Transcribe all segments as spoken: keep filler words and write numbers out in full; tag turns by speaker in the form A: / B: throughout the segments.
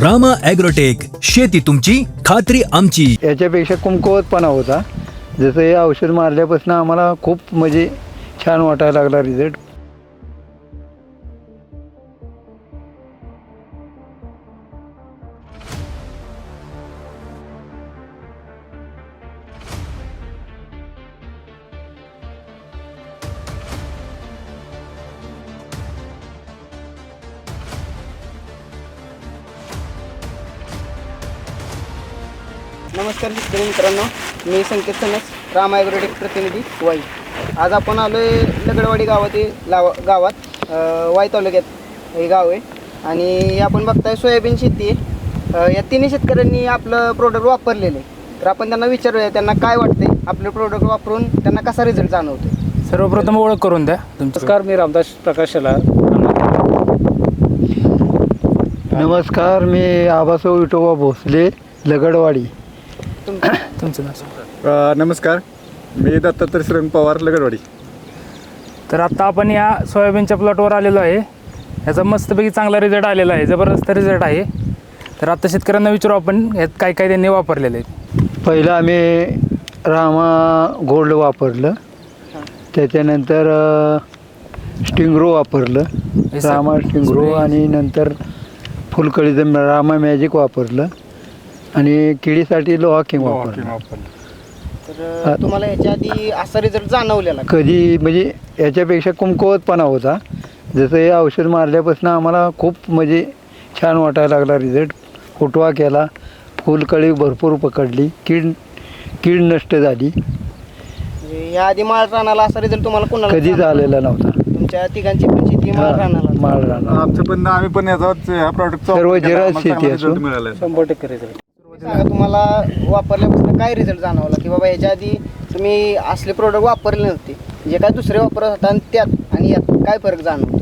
A: Rama agrotech, शेती तुमची खात्री आमची.
B: याच्यापेक्षा कमकुवतपणा होता. जसं हे औषध मारल्यापासून आम्हाला खूप म्हणजे छान वाटायला लागला रिझल्ट.
C: नमस्कार शेतकरी मित्रांनो, मी संकेत सनस, रामा ॲग्रोटेक प्रतिनिधी वाई. आज आपण आलो आहे लगडवाडी गावातील लावा गावात अ, वाई तालुक्यात हे गाव आहे आणि आपण बघताय सोयाबीन शेती आहे. अ, या तिन्ही शेतकऱ्यांनी आपलं प्रोडक्ट वापरलेलं आहे. तर आपण त्यांना विचारूया त्यांना काय वाटते, आपलं प्रोडक्ट वापरून त्यांना कसा रिझल्ट जाणवतो.
D: सर्वप्रथम ओळख करून द्या.
E: नमस्कार, मी रामदास प्रकाश शेलार.
B: नमस्कार, मी आबासाहेब विठोबा भोसले, लगडवाडी.
D: तुमचं नाव?
F: अ, नमस्कार, मी दत्तात्रय श्रीरंग पवार, लगडवाडी.
D: तर आता आपण या सोयाबीनच्या प्लॉटवर आलेलो आहे. याचा मस्तपैकी चांगला रिझल्ट आलेला आहे, जबरदस्त रिझल्ट आहे. तर आता शेतकऱ्यांना विचारू आपण यात काय काय त्यांनी वापरलेलं आहे.
B: पहिलं आम्ही रामा गोल्ड वापरलं, त्याच्यानंतर स्टिंग्रो वापरलं,
D: हे सर-
B: रामा स्टिंग्रो,
D: स्प्रे.
B: आणि नंतर फुलकळीचं रामा मॅजिक वापरलं, आणि किडीसाठी लोहा किंग वापरलं.
C: तर अ, तुम्हाला याच्या आधी असा रिझल्ट जाणवलेला का?
B: कधी म्हणजे याच्यापेक्षा कमकुवतपणा होता. जसं हे औषध मारल्यापासून आम्हाला खूप म्हणजे छान वाटायला लागला रिझल्ट. फुटवा केला, फुलकळी भरपूर पकडली, कीड कीड नष्ट झाली.
C: म्हणजे या आधी माळ रानाला असा रिझल्ट तुम्हाला कोणाला
B: कधीच
C: जाणवला?
B: आलेला नव्हता.
C: तुमच्या तिघांची पण शेती माळ रानाला.
B: माळ राहणार.
F: आमचं पण आम्ही पण याचाच ह्या प्रॉडक्टचा
B: सर्व
F: वापर केला.
B: जिरायत
F: आम्हाला चांगला
B: शेती
F: result
B: असून.
F: मिळाला आहे.
E: शंभर टक्के रिझल्ट.
C: सांगा तुम्हाला वापरल्यापासून काय रिझल्ट जाणवला, की बाबा याच्या आधी तुम्ही असले प्रोडक्ट वापरले नव्हते, जे काय दुसरे वापरत होता आणि त्यात आणि यात काय फरक जाणवतो?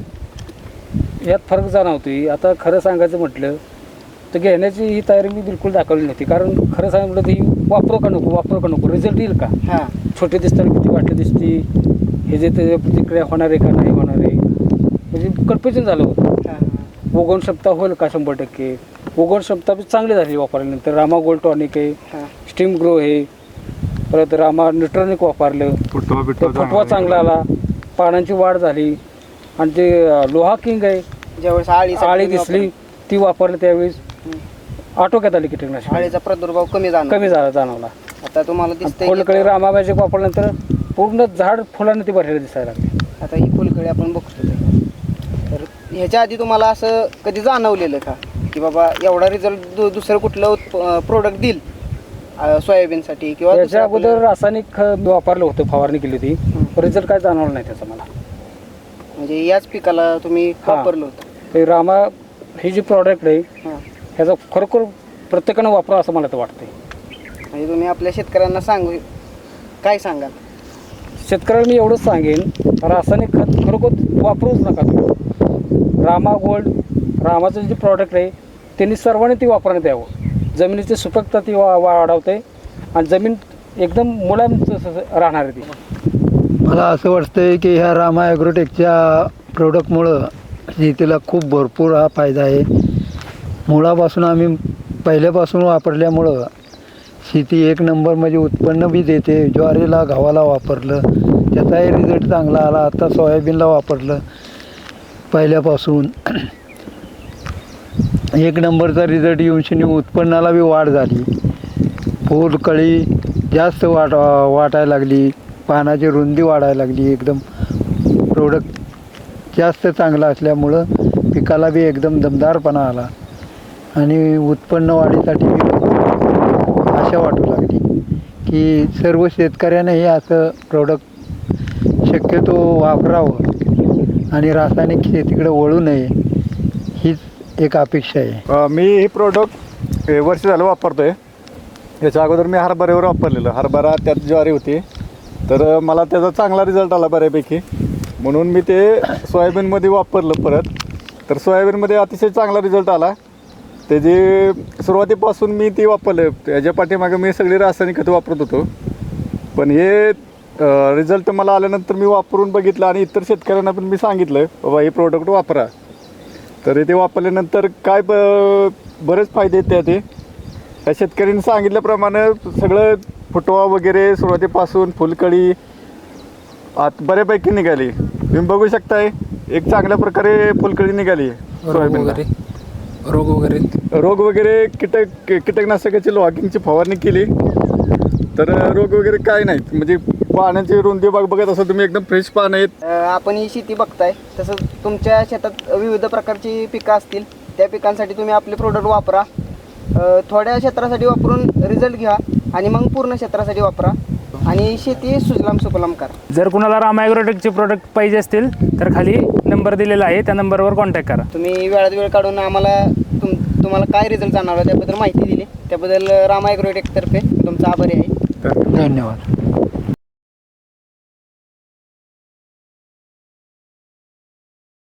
E: यात फरक जाणवतोय. आता खरं सांगायचं म्हटलं तर घेण्याची ही तयारी मी बिलकुल दाखवली नव्हती. कारण खरं सांगायचं म्हटलं तर ही वापरू का नको वापरू का नको रिझल्ट येईल का,
C: हां
E: छोटे दिसताना किती वाटले दिसती, हे जे ते प्रतिक्रिया होणार आहे का नाही होणार आहे, म्हणजे कन्फ्युजन झालं होतं.
C: हां
E: उगवण क्षमता होईल का शंभर टक्के. उगवण क्षमता बी चांगली झाली वापरल्यानंतर. रामा गोल्ड टॉनिक आहे,
C: हां
E: स्टीम ग्रो आहे, परत रामा न्यूट्रॉनिक वापरलं,
F: फुटवा
E: तर
F: बिटवा
E: फुटवा
F: जाणवला.
E: चांगला आला, पानांची वाढ झाली. आणि जे लोहा किंग आहे,
C: ज्यावेळेस आळी
E: आळी दिसली ती वापरली त्यावेळेस आटोक्यात आली कीटकनाशक,
C: आळीचा प्रादुर्भाव कमी जाणवला.
E: कमी झाला जाणवला.
C: आता तुम्हाला दिसतंय की
E: फुलकळी रामा मॅजिक वापरल्यानंतर पूर्ण झाड फुलांना ती भरलेली दिसायला लागली.
C: आता ही फुलकळी आपण बघतो ते. तर ह्याच्या आधी तुम्हाला असं कधी जाणवलेलं का, की बाबा एवढा रिझल्ट दु दुसरं कुठलं प्रोडक्ट देईल अ, सोयाबीनसाठी किंवा
E: याच्या
C: दुसरं
E: अगोदर
C: आपलं-
E: रासायनिक खत मी वापरलं होतं, फवारणी केली होती, रिझल्ट काय जाणवला नाही त्याचा मला.
C: म्हणजे याच पिकाला तुम्ही
E: हां.
C: वापरलं होतं?
E: ते रामा ही जी प्रॉडक्ट आहे
C: हां
E: ह्याचा खरोखर प्रत्येकानं वापरा असं मला तर वाटतंय.
C: म्हणजे तुम्ही आपल्या शेतकऱ्यांना सांगू काय सांगाल?
E: शेतकऱ्याला मी एवढंच सांगेन, रासायनिक खत खरोखर वापरूच नका तुम्ही. रामा गोल्ड रामाचं जे प्रॉडक्ट आहे त्यांनी सर्वांनी ती वापरण्यात यावं. जमिनीची सुपीकता ती वा वाढवते आणि जमीन एकदम मुलायम स- स- राहणार आहे ती.
B: मला असं वाटतंय की ह्या रामा ॲग्रोटेकच्या प्रोडक्टमुळं शेतीला खूप भरपूर हा फायदा आहे. मुळापासून आम्ही पहिल्यापासून वापरल्यामुळं शेती एक नंबर म्हणजे उत्पन्न बी देते. ज्वारीला गव्हाला वापरलं त्याचाही रिझल्ट चांगला आला. आता सोयाबीनला वापरलं पहिल्यापासून एक नंबरचा रिझल्ट येऊन शनी उत्पन्नाला बी वाढ झाली. फूल कळी जास्त वाट वाटायला लागली, पानाची रुंदी वाढायला लागली. एकदम प्रोडक्ट जास्त चांगला असल्यामुळं पिकाला बी एकदम दमदारपणा आला आणि उत्पन्न वाढीसाठी आशा वाटू लागली की सर्व शेतकऱ्याने हे असं प्रोडक्ट शक्यतो वापरावं आणि रासायनिक शेतीकडे वळू नये, हीच एक अपेक्षा आहे.
F: अ, मी हे प्रोडक्ट वर्ष झालं वापरतोय. याच्या अगोदर मी हरभऱ्यावर वापरलेलं, हरभरा त्यात ज्वारी होती, तर मला त्याचा चांगला रिझल्ट आला बऱ्यापैकी. म्हणून मी ते सोयाबीनमध्ये वापरलं परत, तर सोयाबीनमध्ये अतिशय चांगला रिझल्ट आला. त्याची सुरुवातीपासून मी ती वापरले. याच्या पाठीमागे मी सगळी रासायनिक खतं वापरत होतो, पण हे रिझल्ट मला आल्यानंतर मी वापरून बघितलं आणि इतर शेतकऱ्यांना पण मी सांगितलं बाबा हे प्रोडक्ट वापरा. तर तर ते वापरल्यानंतर काय ब बरेच फायदे आहेत त्या ते त्या शेतकऱ्यांनी सांगितल्याप्रमाणे सगळं फुटवा वगैरे सुरुवातीपासून फुलकळी आत बऱ्यापैकी निघाली. तुम्ही बघू शकताय एक चांगल्या प्रकारे फुलकळी निघाली
D: रोग
F: सोयाबीनला.
D: वगैरे रोग वगैरे
F: रोग वगैरे कीटक कीटकनाशकाची लॉगिंगची फवारणी केली तर रोग वगैरे काय नाहीत. म्हणजे पाण्याची रुंदी बाग बघत असं तुम्ही एकदम फ्रेश पानं आहेत.
C: अ, आपण ही शेती बघताय तसंच तुमच्या शेतात विविध प्रकारची पिकं असतील. त्या पिकांसाठी तुम्ही आपले प्रोडक्ट वापरा. अ, थोड्या क्षेत्रासाठी वापरून रिझल्ट घ्या आणि मग पूर्ण क्षेत्रासाठी वापरा आणि शेती सुजलाम सुफलाम करा.
D: जर कुणाला रामा ॲग्रोटेकचे प्रोडक्ट पाहिजे असतील तर खाली नंबर दिलेला आहे, त्या नंबरवर कॉन्टॅक्ट करा.
C: तुम्ही वेळात वेळ काढून आम्हाला तुम तुम्हाला काय रिझल्ट जाणवला त्याबद्दल माहिती दिली त्याबद्दल रामा ॲग्रोटेकतर्फे तुमचा आभारी आहे.
B: धन्यवाद.